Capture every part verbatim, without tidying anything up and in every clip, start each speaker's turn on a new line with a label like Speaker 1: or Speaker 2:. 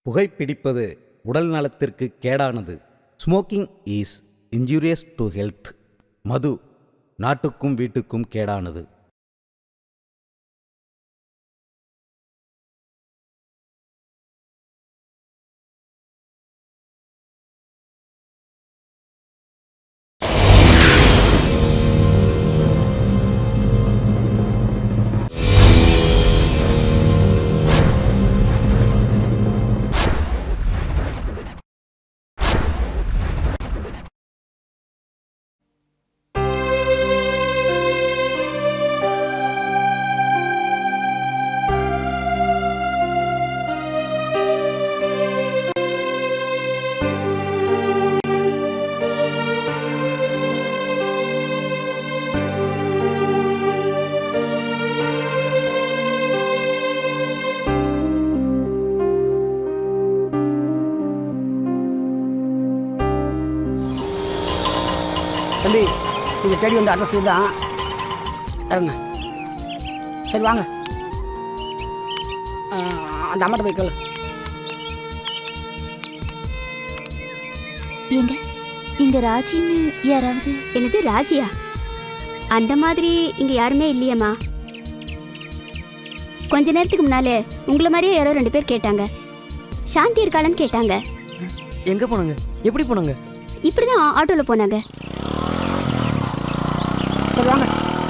Speaker 1: புகைப்பிடிப்பது உடல் நலத்திற்கு கேடானது. Smoking is injurious to health. மது நாட்டுக்கும் வீட்டுக்கும் கேடானது.
Speaker 2: தம்பி, நீங்கள் தேடி வந்த அட்ரஸ் இதுதான். இறங்க. சரி வாங்க, அந்த அம்மாட்ட போய் கேளு.
Speaker 3: எங்க இங்க ராஜின்னு யாராவது?
Speaker 4: என்னது ராஜியா? அந்த மாதிரி இங்க யாருமே இல்லையம்மா. கொஞ்ச நேரத்துக்கு முன்னாலே உங்களை மாதிரியே யாரோ ரெண்டு பேர் கேட்டாங்க. சாந்தி இருக்காளன்னு கேட்டாங்க.
Speaker 5: எங்க போனாங்க? எப்படி போனாங்க?
Speaker 4: இப்படிதான் ஆட்டோல போனாங்க.
Speaker 2: சரி வாங்க,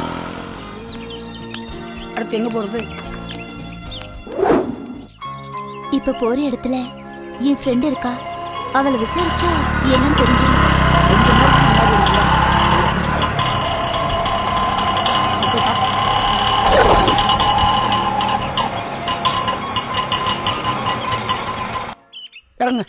Speaker 2: அடுத்து எங்க போறது?
Speaker 3: இப்ப போற இடத்துல என் ஃப்ரெண்ட் இருக்கா. அவளை விசாரிச்சா என்னன்னு தெரிஞ்சிடும்.
Speaker 2: கொஞ்ச நேரத்துக்கு முன்னாடி இருந்துச்சுல, சரி, போய் பார்ப்போம். இறங்க.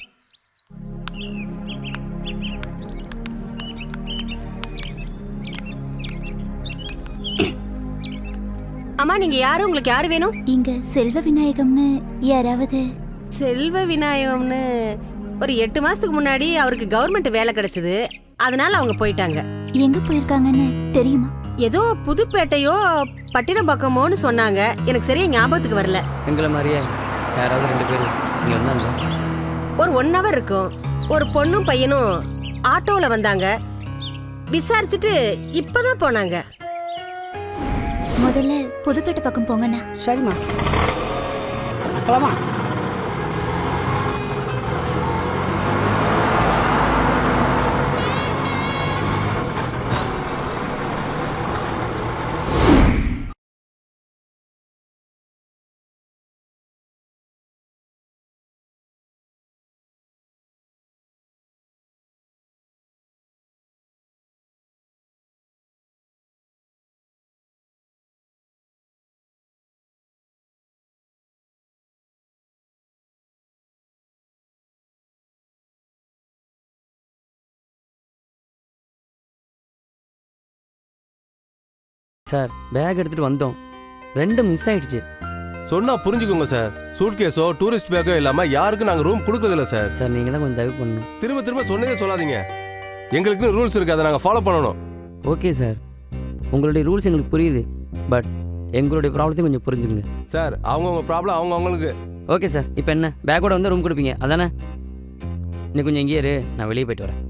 Speaker 6: அம்மா, நீங்க யாரு? உங்களுக்கு யாரு வேணும்?
Speaker 3: இங்க செல்வ விநாயகம்னு யாராவது?
Speaker 6: செல்வ விநாயகம்னு ஒரு எட்டு மாசத்துக்கு முன்னாடி அவருக்கு கவர்மெண்ட் வேலை கிடைச்சது. அதனால அவங்க போயிட்டாங்க.
Speaker 3: எங்க போயிருக்காங்கன்னு தெரியுமா?
Speaker 6: ஏதோ புதுப்பேட்டையோ பட்டினப்பாக்கமோன்னு சொன்னாங்க. எனக்கு சரியா ஞாபகத்துக்கு வரல.
Speaker 5: எங்களை மாதிரியே யாராவது ரெண்டு பேர் இங்கே வந்தாங்க.
Speaker 6: ஒரு ஒன் ஹவர் இருக்கும். ஒரு பொண்ணும் பையனும் ஆட்டோல வந்தாங்க. விசாரிச்சுட்டு இப்பதான் போனாங்க.
Speaker 3: முதல்ல புதுப்பேட்டை பக்கம் போங்கண்ணா.
Speaker 2: சரிம்மா, போலாமா?
Speaker 5: சார், பேக் எடுத்துட்டு வந்தோம், ரெண்டு மிஸ் ஆயிடுச்சு.
Speaker 7: சொன்னா புரிஞ்சுக்கோங்க சார். சூட் கேஸோ டூரிஸ்ட் பேக்கோ இல்லாம யாருக்கும் நாங்க ரூம் கொடுக்கறதில்ல சார்.
Speaker 5: சார், நீங்க தான் கொஞ்சம் தயவு பண்ணணும்.
Speaker 7: திரும்ப திரும்ப சொன்னதே சொல்லாதீங்க. எங்களுக்குன்னு ரூல்ஸ் இருக்கு, அதை நாங்க ஃபாலோ பண்ணணும்.
Speaker 5: ஓகே சார், உங்களுடைய ரூல்ஸ் எங்களுக்கு புரியுது. பட் எங்களுடைய ப்ராப்ளத்தையும் கொஞ்சம் புரிஞ்சுங்க
Speaker 7: சார். அவங்கவுங்க ப்ராப்ளம் அவங்க அவங்களுக்கு.
Speaker 5: ஓகே சார், இப்போ என்ன பேக்கோட வந்து ரூம் கொடுப்பீங்க அதானே? இன்னும் கொஞ்சம் எங்கேயே இரு, நான் வெளியே போயிட்டு வரேன்.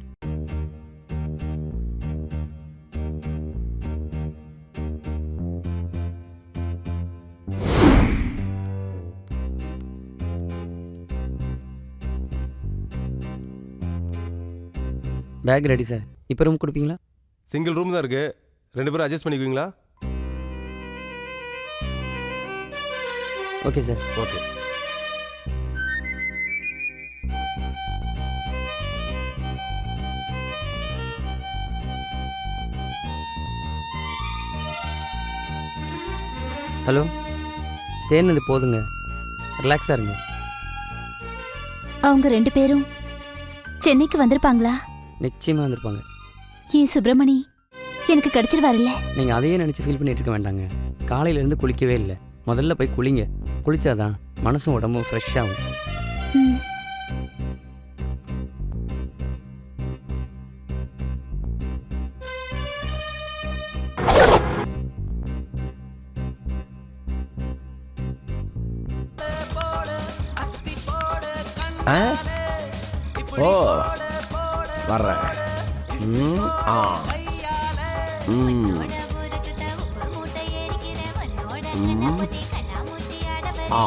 Speaker 5: Bag ready sir. இப்போ ரூம் கொடுப்பீங்களா?
Speaker 7: சிங்கிள் ரூம் தான் இருக்கு, ரெண்டு பேரும் அட்ஜஸ்ட் பண்ணிக்குவீங்களா?
Speaker 5: Okay sir.
Speaker 7: ஓகே.
Speaker 5: ஹலோ, தேனது போதுங்க, ரிலாக்ஸாக இருங்க.
Speaker 3: அவங்க ரெண்டு பேரும் சென்னைக்கு வந்திருப்பாங்களா?
Speaker 5: நிச்சயமாக வந்திருப்பாங்க.
Speaker 3: ஏன் சுப்பிரமணி எனக்கு கிடைச்சிருவாருல்ல?
Speaker 5: நீங்கள் அதையே நினச்சி ஃபீல் பண்ணிட்டு இருக்க வேண்டாங்க. காலையிலேருந்து குளிக்கவே இல்லை. முதல்ல போய் குளிங்க. குளிச்சாதான் மனசும் உடம்பும் ஃப்ரெஷ் ஆகும்.
Speaker 3: ம்.
Speaker 8: ஆ? ஓ வர்றேன். ம், ஆ. ம். ம். ஆ.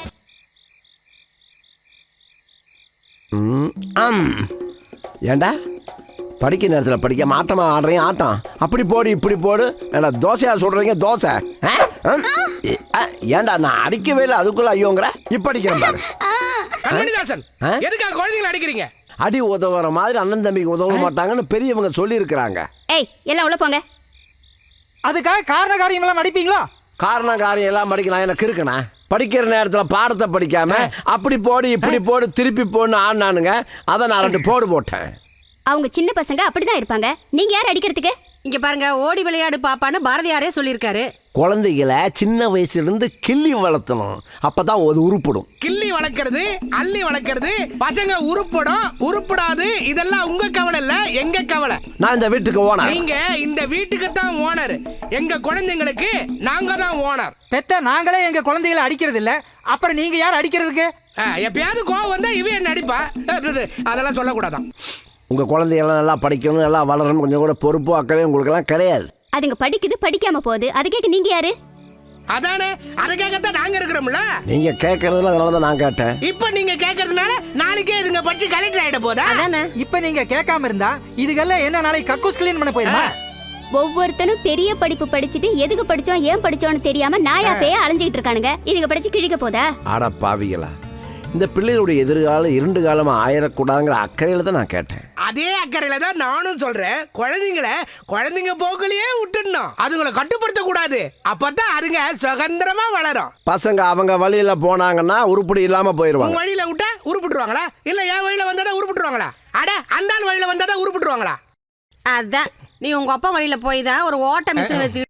Speaker 8: ம், ஆம். ஏண்டா படிக்க நேரத்தில் படிக்க மாட்டமா ஆடுறீங்க ஆட்டம். அப்படி போடு இப்படி போடு. ஏண்டா தோசையா சொல்றீங்க தோசை. ஆ? ம். ஆ, ஏண்டா நான் அடிக்கவே இல்லை அதுக்குள்ள ஐயோங்கிற இப்ப அடிக்கிறேன் பாரு.
Speaker 9: கண்மணிதாசன்,
Speaker 8: ஆ?
Speaker 9: எதுக்காக குழந்தைங்களை அடிக்கிறீங்க?
Speaker 8: அடி உதவுற மாதிரி அண்ணன் தம்பிக்கு உதவ மாட்டாங்கன்னு பெரியவங்க சொல்லி இருக்கிறாங்க.
Speaker 4: ஏய் எல்லாம் உள்ள போங்க.
Speaker 10: அதுக்காக காரண காரியமெல்லாம் அடிப்பீங்களா?
Speaker 8: காரணம் காரியம் எல்லாம் படிக்கலாம் எனக்கு இருக்குண்ணா. படிக்கிற நேரத்தில் பாடத்தை படிக்காம அப்படி போடு இப்படி போடு திருப்பி போடுன்னு ஆடினானுங்க. அதை நான் ரெண்டு போடு போட்டேன்.
Speaker 4: அவங்க சின்ன பசங்க அப்படிதான் இருப்பாங்க. நீங்க யார் அடிக்கிறதுக்கு?
Speaker 6: இங்க பாருங்க, ஓடி விளையாடு பாப்பான்னு பாரதியாரே சொல்லியிருக்காரு.
Speaker 8: குழந்தைகளை சின்ன வயசுல இருந்து கிள்ளி வளர்த்தணும். அப்பதான் அது உருப்படும்.
Speaker 9: கிள்ளி வளர்க்கறது, அள்ளி வளர்க்கறது, பசங்க உருப்படும் உருப்படாது, இதெல்லாம் உங்க கவலை இல்ல, எங்க கவலை.
Speaker 8: நான் இந்த வீட்டுக்கு ஓனர்.
Speaker 9: நீங்க இந்த வீட்டுக்கு தான் ஓனர். எங்க குழந்தைங்களுக்கு நாங்க தான் ஓனர்.
Speaker 10: பெத்த நாங்களே எங்க குழந்தைகளை அடிக்கிறது இல்ல, அப்புறம் நீங்க யார் அடிக்கிறதுக்கு?
Speaker 9: எப்பயாவது கோவம் வந்தா இவ என்ன அடிப்பா. அதெல்லாம் சொல்லக்கூடாதான்.
Speaker 8: உங்க குழந்தைகள்லாம் நல்லா படிக்கணும், நல்லா வளரணும், கொஞ்சம் கூட பொறுப்பு அக்கவே உங்களுக்கு எல்லாம் கிடையாது.
Speaker 4: அதுங்க படிக்குது படிக்காம போகுது, அது கேட்க நீங்க யாரு?
Speaker 9: அதானே, அதை கேட்கத்தான் நாங்க இருக்கிறோம்ல.
Speaker 8: நீங்க கேட்கறதுல அதனாலதான் நான் கேட்டேன்.
Speaker 9: இப்ப நீங்க கேட்கறதுனால நாளைக்கே இதுங்க படிச்சு கலெக்டர் ஆயிட போதா?
Speaker 6: அதானே.
Speaker 10: இப்ப நீங்க கேட்காம இருந்தா இதுக்கெல்லாம் என்ன நாளைக்கு கக்கூஸ் கிளீன் பண்ண போயிருமா?
Speaker 4: ஒவ்வொருத்தனும் பெரிய படிப்பு படிச்சுட்டு எதுக்கு படிச்சோம் ஏன் படிச்சோம்னு தெரியாம நாயா பேய அலைஞ்சிட்டு இருக்கானுங்க. இதுங்க படிச்சு கிழிக்க போதா?
Speaker 8: ஆட பாவிகளா, இந்த பிள்ளைகளுடைய எதிர்காலம் இரண்டு காலமா ஆயிடக்கூடாதுங்கிற அக்கறையில தான் நான் கேட்டேன்.
Speaker 9: அதே அக்கறையில தான் நானும் சொல்றேன். குழந்தைங்களை குழந்தைங்க போக்குலயே விட்டுடணும், அதுங்களை கட்டுப்படுத்த கூடாது. அப்பதான் அதுங்க சுதந்திரமா வளரும்.
Speaker 8: பசங்க அவங்க வழியில போனாங்கன்னா உருப்படி இல்லாம போயிருவாங்க.
Speaker 9: உங்க வழியில விட்டா உருப்பிட்டுருவாங்களா? இல்ல என் வழியில வந்தாதான் உருப்பிட்டுருவாங்களா? அட அந்த ஆள் வழியில வந்தாதான் உருப்பிட்டுருவாங்களா?
Speaker 6: அதான் நீ உங்க அப்பா வழியில போய் தான் ஒரு ஓட்ட மிஷின் வச்சு.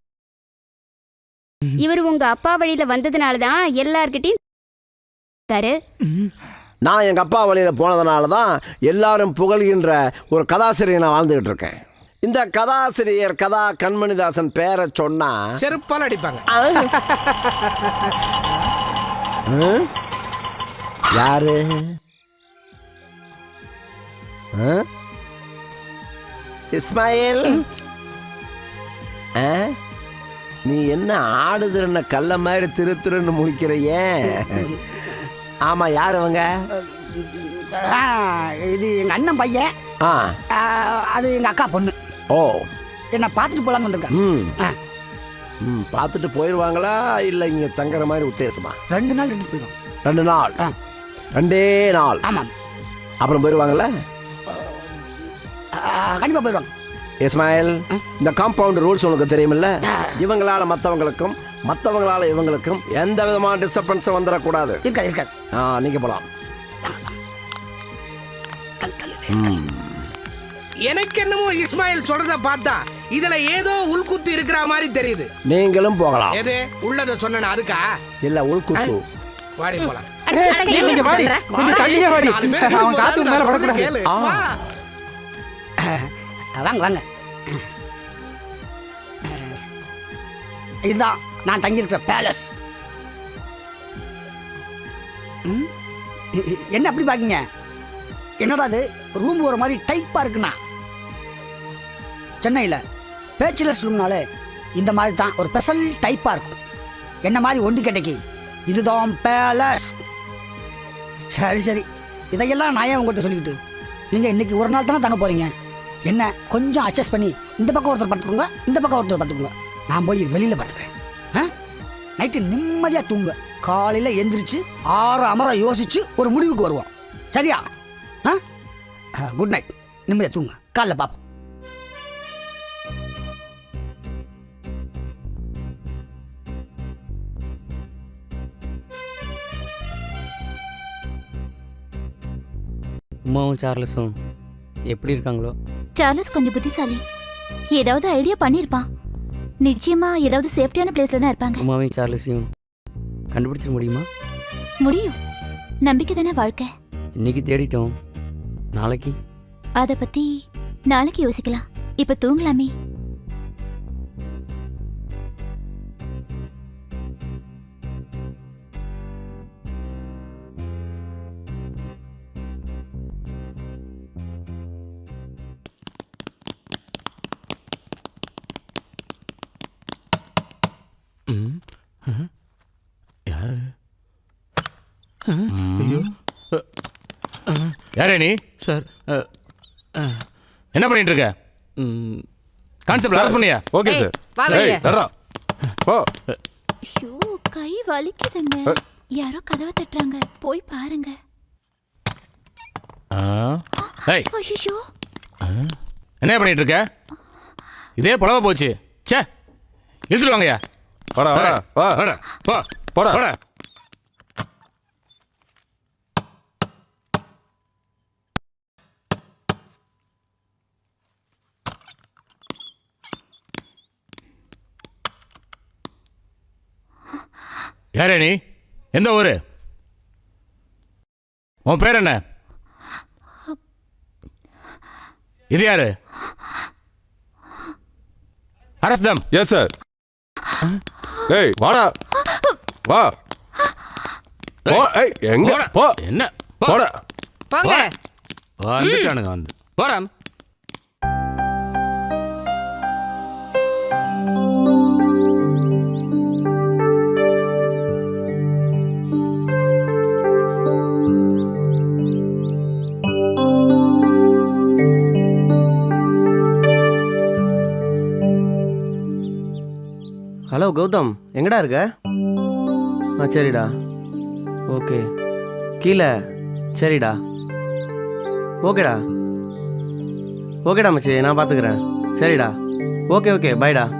Speaker 4: இவர் உங்க அப்பா வழியில வந்ததுனாலதான் எல்லார்கிட்டயும்
Speaker 8: நான் எங்க அப்பா வழியில போனதுனால தான் எல்லாரும் புகழ்கின்ற ஒரு கதாசிரியர் நான் வாழ்ந்துகிட்டு இருக்கேன். இந்த கதாசிரியர் கதா கண்மணிதாசன் பேரை சொன்னா
Speaker 9: செருப்பால் அடிப்பாங்க.
Speaker 8: ஆ? யாரு? ஆ? இஸ்மாயில், ஆ? நீ என்ன ஆடுதுன்னு கல்ல மாதிரி திரு திருன்னு முழிக்கிறையே? ஆமா, யார் அவங்க?
Speaker 2: ஆ, இது எங்க அண்ணன் பையன்.
Speaker 8: ஆ,
Speaker 2: ஆ, அது எங்க அக்கா பொண்ணு.
Speaker 8: ஓ,
Speaker 2: என்ன பார்த்துட்டு போலான்னு வந்திருக்கேன்.
Speaker 8: ம்
Speaker 2: ஆ,
Speaker 8: ம் பார்த்துட்டு போயிடுவாங்களா இல்லை இங்கே தங்குற மாதிரி உத்தேசமா?
Speaker 2: ரெண்டு நாள் ரெண்டு போயிடும்.
Speaker 8: ரெண்டு நாள்.
Speaker 2: ஆ.
Speaker 8: ரெண்டே நாள்.
Speaker 2: ஆமாம்.
Speaker 8: அப்புறம் போயிடுவாங்கல்ல?
Speaker 2: கண்டிப்பா போயிடுவாங்க.
Speaker 8: இஸ்மாயில், இந்த காம்பவுண்ட் ரூல்ஸ் உனக்கு தெரியுமில்ல? இவங்களால மற்றவங்களுக்கும் மற்றவங்களால இவங்களுக்கும் எந்த விதமான டிஸ்டர்பன்ஸும் வந்துடக்கூடாது.
Speaker 2: இருக்காது இருக்காது.
Speaker 8: ஆ, நீங்க போலாம்.
Speaker 9: எனக்கு என்னமோ இஸ்மாயில் சொல்றத பார்த்தா இதுல ஏதோ உள்குத்து இருக்கிற மாதிரி தெரியுது.
Speaker 8: நீங்களும் போகலாம்.
Speaker 9: எது உள்ளத சொன்ன அதுக்கா?
Speaker 8: இல்ல உள்குத்து.
Speaker 9: வாடி போலாம்.
Speaker 10: நீங்க வாடி, கொஞ்சம் தள்ளியே வாடி. அவன் காத்து மேல படக்கூடாது.
Speaker 2: வாங்க வாங்க. இதுதான் நான் தங்கியிருக்கிற பேலஸ். என்ன அப்படி பாக்கீங்க? என்னடா அது ரூம் ஒரு மாதிரி டைப்பா இருக்குண்ணா. சென்னையில் பேச்சுலர்ஸ் ரூம்னாலே இந்த மாதிரி தான் ஒரு ஸ்பெஷல் டைப்பா இருக்கும். என்ன மாதிரி ஒண்டி கிடைக்கி இதுதான் பேலஸ். சரி சரி, இதையெல்லாம் நான் ஏன் உங்கள்கிட்ட சொல்லிக்கிட்டு? நீங்கள் இன்னைக்கு ஒரு நாள் தானே தங்க போறீங்க. என்ன கொஞ்சம் அட்ஜஸ்ட் பண்ணி இந்த பக்கம் ஒருத்தர் பார்த்துக்கோங்க, இந்த பக்கம் ஒருத்தர் பார்த்துக்கோங்க. நான் போய் வெளியில் பார்த்துக்கிறேன். ஆ, நைட்டு நிம்மதியாக தூங்க, காலையில் எந்திரிச்சு ஆறு அமர யோசிச்சு ஒரு முடிவுக்கு வருவோம். சரியா? ஆ, குட் நைட். நிம்மதியாக தூங்க, காலைல பார்ப்போம்.
Speaker 5: உமாவும் சார்லஸும் எப்படி இருக்காங்களோ?
Speaker 3: சார்லஸ் கொஞ்சம் புத்திசாலி, ஏதாவது ஐடியா பண்ணிருப்பான். நிச்சயமா ஏதாவது சேஃப்டியான பிளேஸ்ல தான் இருப்பாங்க.
Speaker 5: உமாவையும் சார்லஸையும் கண்டுபிடிச்சிட முடியுமா?
Speaker 3: முடியும், நம்பிக்கை தானே வாழ்க்கை.
Speaker 5: இன்னைக்கு தேடிட்டோம், நாளைக்கு
Speaker 3: அத பத்தி நாளைக்கு யோசிக்கலாம். இப்ப தூங்கலாமே.
Speaker 11: யாரே நீ
Speaker 5: சார்
Speaker 11: என்ன பண்ணிட்டு இருக்க கான்செப்ட் அரெஸ்ட் பண்ணியா
Speaker 7: ஓகே
Speaker 6: ஏய்,
Speaker 7: சார்
Speaker 6: வா வெளியே.
Speaker 7: ஏய் நடடா போ
Speaker 3: ஐயோ கை வலிக்குதுங்க யாரோ கதவை தட்டுறாங்க போய் பாருங்க
Speaker 11: ஏய்
Speaker 3: ஐயோ
Speaker 11: என்ன பண்ணிட்டு இருக்க இதே புலவ போச்சு ச்சே இழுத்துட்டு வாங்கய்யா
Speaker 7: வாடா வாடா வா
Speaker 11: வாடா போ
Speaker 7: போடா.
Speaker 11: போடா யாரே நீ எந்த ஊரு உன் பேர் என்ன இது யாரு அரஸ்தம்
Speaker 7: எஸ் சார் ஏய் வாடா வா போ ஏய் எங்க
Speaker 11: போடா.
Speaker 7: போ
Speaker 11: என்ன
Speaker 7: போடா
Speaker 6: போங்க
Speaker 11: வந்துட்டானுங்க வந்து போறான்
Speaker 12: ஹலோ கௌதம் எங்கடா இருக்க ஆ சரிடா ஓகே கீழே சரிடா ஓகேடா ஓகேடா மச்சி நான் பார்த்துக்கிறேன் சரிடா ஓகே ஓகே பாய்டா